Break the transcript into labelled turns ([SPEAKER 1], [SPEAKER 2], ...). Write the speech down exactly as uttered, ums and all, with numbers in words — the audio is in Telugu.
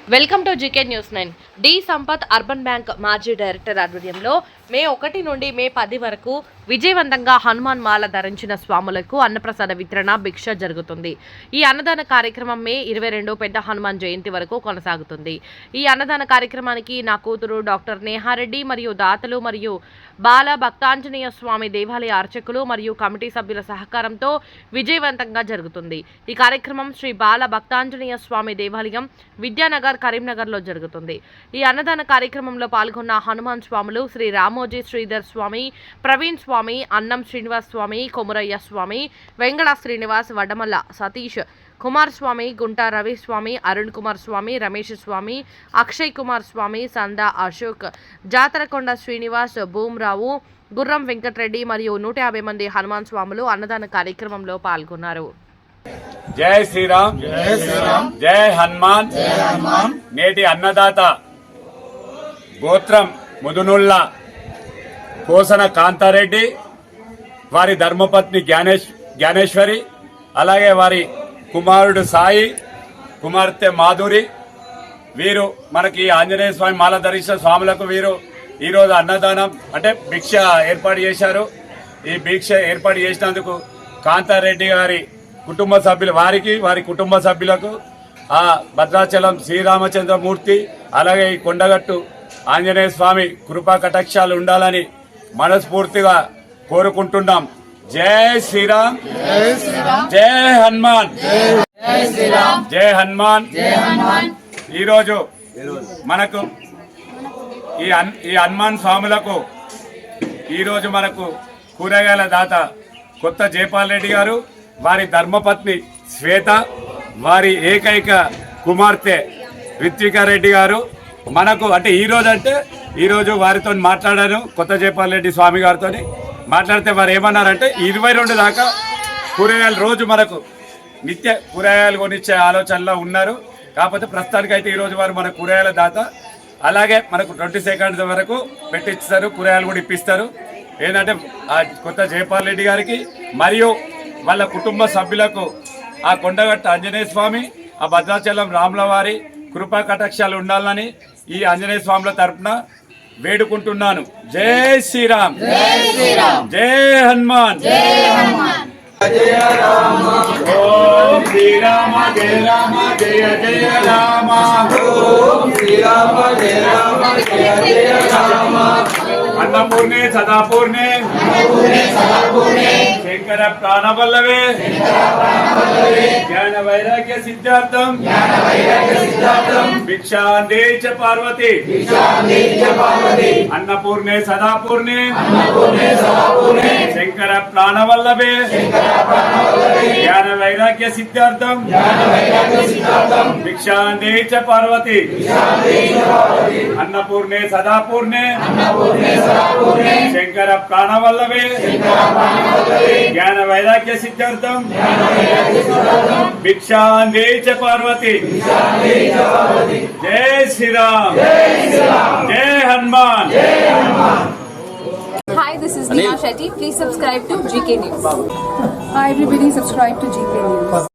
[SPEAKER 1] Welcome to GK news nine. D Sampath urban bank మాజీ డైరెక్టర్ ఆధ్వర్యంలో మే ఒకటి నుండి మే పది వరకు విజయవంతంగా హనుమాన్ మాల ధరించిన స్వాములకు అన్నప్రసాద వితరణ భిక్ష జరుగుతుంది. ఈ అన్నదాన కార్యక్రమం మే ఇరవై రెండు పెద్ద హనుమాన్ జయంతి వరకు కొనసాగుతుంది. ఈ అన్నదాన కార్యక్రమానికి నా కూతురు డాక్టర్ నేహారెడ్డి మరియు దాతలు మరియు బాల భక్తాంజనేయ స్వామి దేవాలయ అర్చకులు మరియు కమిటీ సభ్యుల సహకారంతో విజయవంతంగా జరుగుతుంది. ఈ కార్యక్రమం శ్రీ బాల భక్తాంజనేయ స్వామి దేవాలయం విద్యానగర్ కరీంనగర్ లో జరుగుతుంది. ఈ అన్నదాన కార్యక్రమంలో పాల్గొన్న హనుమాన్ స్వాములు శ్రీ రామోజీ శ్రీధర్ స్వామి, ప్రవీణ్ స్వామి, అన్నం శ్రీనివాస్ స్వామి, కొమురయ్య స్వామి, వెంగళ శ్రీనివాస్, వడమల్ల సతీష్ కుమార్ స్వామి, గుంటా రవి స్వామి, అరుణ్ కుమార్ స్వామి, రమేష్ స్వామి, అక్షయ్ కుమార్ స్వామి, సందా అశోక్, జాతరకొండ శ్రీనివాస్, భూమరావు, గుర్రం వెంకటరెడ్డి మరియు నూట యాభై మంది హనుమాన్ స్వాములు అన్నదాన కార్యక్రమంలో పాల్గొన్నారు.
[SPEAKER 2] జై శ్రీరామ్, జై శ్రీరామ్, జై హనుమాన్. నేటి అన్నదాత గోత్రం ముదునుల్ల కోసన కాంతారెడ్డి, వారి ధర్మపత్ని జ్ఞానేశ్ జ్ఞానేశ్వరి, అలాగే వారి కుమారుడు సాయి, కుమార్తె మాధురి, వీరు మనకి ఆంజనేయ స్వామి మాల ధరించిన స్వాములకు వీరు ఈరోజు అన్నదానం అంటే భిక్ష ఏర్పాటు చేశారు. ఈ భిక్ష ఏర్పాటు చేసినందుకు కాంతారెడ్డి గారి కుటుంబ సభ్యులు వారికి వారి కుటుంబ సభ్యులకు ఆ భద్రాచలం శ్రీరామచంద్రమూర్తి అలాగే ఈ కొండగట్టు ఆంజనేయ స్వామి కృపా కటాక్షాలు ఉండాలని మనస్ఫూర్తిగా కోరుకుంటున్నాం. జై శ్రీరామ్, జై హనుమాన్, జై హనుమాన్. ఈరోజు మనకు ఈ ఈ హనుమాన్ స్వాములకు ఈరోజు మనకు కూరగాయల దాత కొత్త జయపాల్ రెడ్డి గారు, వారి ధర్మపత్ని శ్వేత, వారి ఏకైక కుమార్తె రిత్వికారెడ్డి గారు మనకు అంటే ఈరోజు అంటే ఈరోజు వారితో మాట్లాడాను. కొత్త జయపాల్ రెడ్డి స్వామి గారితో మాట్లాడితే వారు ఏమన్నారంటే ఇరవై రెండు దాకా కూరగాయలు రోజు మనకు నిత్య కూరగాయలు కొనిచ్చే ఆలోచనలో ఉన్నారు. కాకపోతే ప్రస్తుతానికైతే ఈరోజు వారు మన కూరగాయల దాత. అలాగే మనకు ట్వంటీ సెకండ్స్ వరకు పెట్టిస్తారు, కూరగాయలు కూడా ఇప్పిస్తారు. ఏంటంటే ఆ కొత్త జయపాల్ రెడ్డి గారికి మరియు వాళ్ళ కుటుంబ సభ్యులకు ఆ కొండగట్టు ఆంజనేయ స్వామి, ఆ భద్రాచలం రాముల వారి కృపా కటాక్షాలు ఉండాలని ఈ ఆంజనేయ స్వాముల తరఫున వేడుకుంటున్నాను. జై శ్రీరామ్, జై హనుమాన్. జయ రామ, ఓం శ్రీరామ, జయ రామ, జయ జయ రామ, ఓం శ్రీరామ, జయ రామ, జయ జయ రామ. అన్నపూర్ణే సదాపూర్ణే, శంకర ప్రాణవల్లవే, జ్ఞాన వైరాగ్య సిద్ధార్థం, భిక్షాందే చ పార్వతి. అన్నపూర్ణే సదాపూర్ణే, శంకర ప్రాణవల్లభే, జ్ఞాన వైరాగ్య సిద్ధార్థం, భిక్షాందే చ పార్వతి. అన్నపూర్ణే సదాపూర్ణే, శంకర ప్రాణవల్లభే, జ్ఞాన వైరాగ్య సిద్ధార్థం, భిక్షాందే చ పార్వతి. జై శ్రీరామ్, జై Hanuman.
[SPEAKER 3] Hi, this is Neha Shetty. Please subscribe to G K News.
[SPEAKER 4] Hi everybody, subscribe to G K News.